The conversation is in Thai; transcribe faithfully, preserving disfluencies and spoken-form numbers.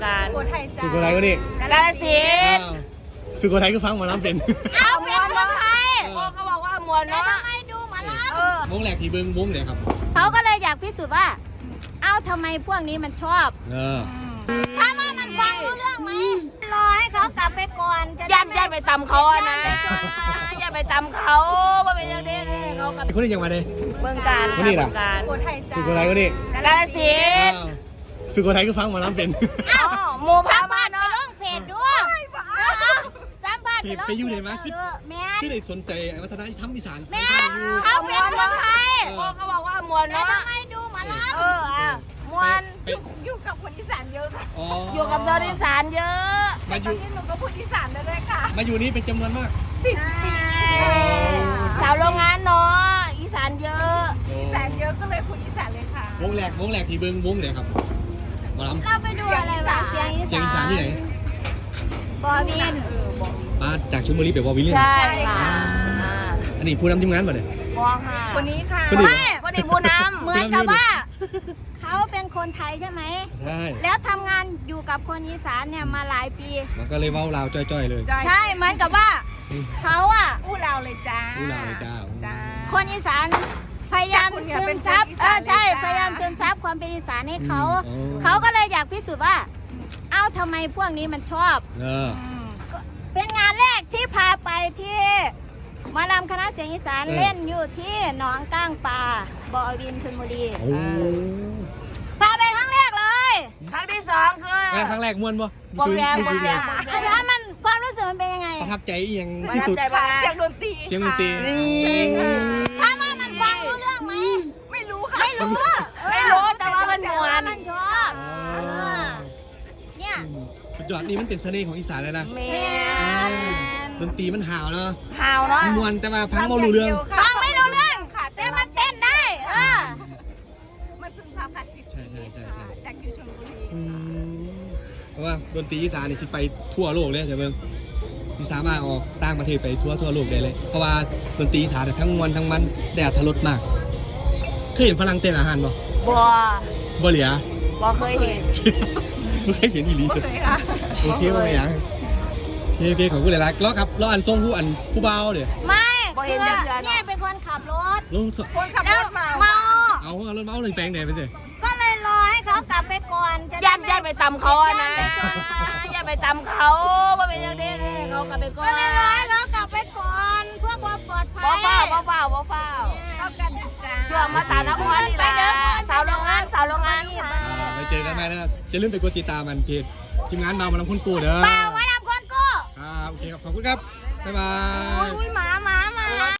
การสุโขทัยจ้าสุโขทัยก็นี่กาฬสินธุ์สุโขทัยก็ฟังหมอลำเป็นเอาเป็นเมืองไทยพ่อเขาบอกว่ามวลแต่เนาะทำไมดูหมาลเออวงแรกที่เบิ้งวงเนี่ยครับำเขาก็เลยอยากพิสูจน์ว่า เอ้าทำไมพวกนี้มันชอบเออถ้าว่ามันฟังรู้เรื่องไหมรอให้เขากลับไปก่อนจะย่านย่านไปตำเขาอะนะย่านไปชนย่านไปตำเขาว่าเป็นยังไงเขากับคนนี้ยังมาเลยเมืองการคนนี้ล่ะเมืองการสุโขทัยจ้าสุโขทัยก็นี่กาฬสินธุ์สุโขทัยก็ฟังหมอลำเป็นเอ้าหมู่สัพามผัมาสไปเนาะลงเพจด้วยสัมผัสไปลงไปอยู่ไหนมาเพจด้วยแม่ที่ได้สนใจวัฒนธรรมอีสานแม่เขาเป็นคนไทยพ่อเขาบอกว่ามวลแต่เนาะทำไมดูหมาลเอออ่ะมวลไปอยู่กับคนอีสานเยอะค่ะอ๋อออยู่กับชาวอีสานเยอะมาอยู่หนูก็พูดอีสานได้เลยค่ะมาอยู่นี่เป็นจำนวนมากสิบปีสาวโรงงานเนาะอีสานเยอะอีสานเยอะก็เลยพูดอีสานเลยค่ะวงแรกวงแรกที่เบิ้งวงเนี่ยครับหมอลำเราไปดูอะไรวะเสียงอีำเสียงอีสานที่ไหนบอวินมาจากชลบุรีไปวอลวิลเลียมใช่ค่ะอันนี้ผู้นำทีมงานป่ะเนี่ยมองค่ะคนนี้ค่ะคนนี้ไม่คนนี้ผู้นำเหมือนกับว่า เขาเป็นคนไทยใช่ไหมใช่แล้วทำงานอยู่กับคนอีสานเนี่ยมาหลายปีมันก็เลยเว้าลาวจ้อยๆเลยใช่เหมือนกับว่าเขาอะอู้เราเลยจ้าอู้ลาวเลยจ้าจ้าคนอีสานพยายามคุณเนี่ยซึเป็มนซับคนอีเอสานอใช่เลยจ้าพยายามซึมซับความเป็นอีสานให้เขาอืมอ๋อเขาก็เลยอยากพิสูจน์ว่า เอ้าทำไมพวกนี้มันชอบเออก็เป็นงานแรกที่พาไปที่หมาลำคณะเสียงอีสานเล่นอยู่ที่หนองก้างปลาบอวินชลบุรีโอ้พาไปครั้งแรกเลยครั้งที่สองคือแม่ครั้งแรกม่วนปะบอมแรมบอมแรมอาจารย์มันความรู้สึกมันเป็นยังไงประทับใจอีหยังประที่ทับสุดใจมากเสียงดนตรีเสียงดนตรีนี่ถ้าว่ามันฟังรู้เรื่องไหมไม่รู้ค่ะไม่รู้ไม่รู้แต่ว่ามันมวว่าน มันชอบอ๋อเออเนี่ยสุดยอดนี่มันเป็นเสน่ห์ของอีสานเลยนะแมแม่นดนตรีมันห่าวเนาะหาวเนาะมวนแต่ว่าฟังบ่รู้เรื่องฟังไม่รู้เรื่องแต่มันเต้นได้เออมันซึมซับค่ะสิบใช่ใช่ใช่ใช่จากอยู่ชลบุรีอืมเพราะว่าดนตรีอีสานนี่สิไปทั่วโลกเลยแต่เบิ่งมีสามารถออกต่างประเทศไปทั่วทั่วโลกได้เลย เพราะว่าดนตรีอีสานเนี่ยทั้งมวลทั้งมันแต่อรรถรสมากเคยเห็นฝรั่งเต้นอาหารบ่บัวบ่เหลียบัวเคยเห็นไม่เคยเห็นอีหลีบัวเคยค่ะโอเคบ่เป็นหยังโอเคโอเคขอบคุณหลายๆแล้วครับแล้วอันส่งผู้อันผู้เบาเดี๋ยวไม่คือเนี่ยเป็นคนขับรถลงคนขับแล้รวถมาเมาเอาเอารถเมาเลยแปลงไหนไปสิก็เลยรอให้เขากลับไปก่อนจะได้ย่านไม่ย่านไปตำเขาอะนะย่านไปชนย่านไปตำเขาว่าเป็นยังไงเขากลับไปก่อนก็เลยรอให้เขากลับไปก่อนเพื่อความปลอดภัยบ่เฝ้าบ่เฝ้าบ่เฝ้าเข้ากันจ้าเพื่อมาตานครนี่ล่ะสาวโรงงานสาวโรงงานค่ะอ่าไปเจอกันไหมนะครับจะลืมไปกดติดตามมันเพจทีมงานมาวันลำพูนกูเด้อเปล่าไว้ทำคนกู้ครับโอเคครับขอบคุณครับบ๊ายบายอุ้ยหมาหมาหมา